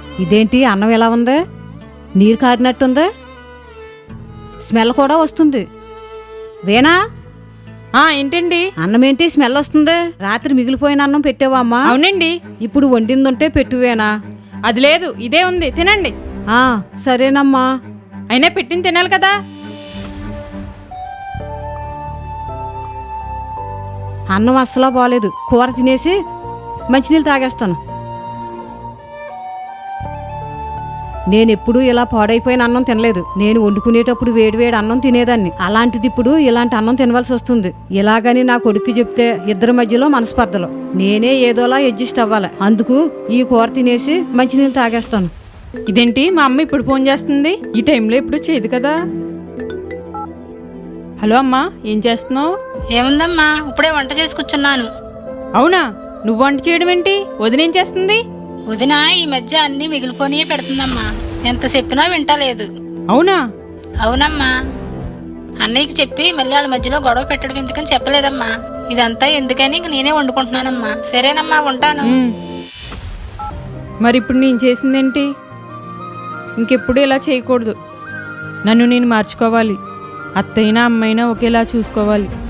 ఇదేంటి అన్నం ఎలా ఉంది? నీరు కారినట్టుంది, స్మెల్ కూడా వస్తుంది. వేనా, ఏంటండి? అన్నం ఏంటి స్మెల్ వస్తుంది? రాత్రి మిగిలిపోయిన అన్నం పెట్టావా అమ్మా? అవునండి. ఇప్పుడు వండిందుంటే పెట్టువేనా? అది లేదు, ఇదే ఉంది, తినండి. సరేనమ్మా. అయినా పెట్టింది తినాలి కదా. అన్నం అస్సలా బాలేదు. కూర తినేసి మంచినీళ్ళు తాగేస్తాను. నేనెప్పుడూ ఇలా పాడైపోయిన అన్నం తినలేదు. నేను వండుకునేటప్పుడు వేడివేడి అన్నం తినేదాన్ని. అలాంటిది ఇప్పుడు ఇలాంటి అన్నం తినవలసి వస్తుంది. ఇలాగని నా కొడుక్కి చెప్తే ఇద్దరి మధ్యలో మనస్పర్ధలు. నేనే ఏదోలా అడ్జస్ట్ అవ్వాలి. అందుకు ఈ కూర తినేసి మంచినీళ్ళు తాగేస్తాను. ఇదేంటి, మా అమ్మ ఇప్పుడు ఫోన్ చేస్తుంది? ఈ టైంలో ఇప్పుడు చేయదు కదా. హలో అమ్మా, ఏం చేస్తున్నావు? ఏముందమ్మా, ఇప్పుడే వంట చేసి కూర్చున్నాను. అవునా, నువ్వు వంట చేయడం ఏంటి? వదినేం చేస్తుంది? వదిన ఈ మధ్య అన్ని మిగిలిపోని పెడుతుందమ్మా. ఎంత చెప్పినా వింటలేదు. అవునా? అవునమ్మా, అన్నయ్యకి చెప్పి మళ్ళీ వాళ్ళ మధ్యలో గొడవ పెట్టడం ఎందుకని చెప్పలేదమ్మా. ఇదంతా ఎందుకని ఇంక నేనే వండుకుంటున్నానమ్మా. సరేనమ్మా, ఉంటాను. మరి ఇప్పుడు నేను చేసిందేంటి? ఇంకెప్పుడు ఇలా చేయకూడదు. నన్ను నేను మార్చుకోవాలి. అత్తైనా అమ్మైనా ఒకేలా చూసుకోవాలి.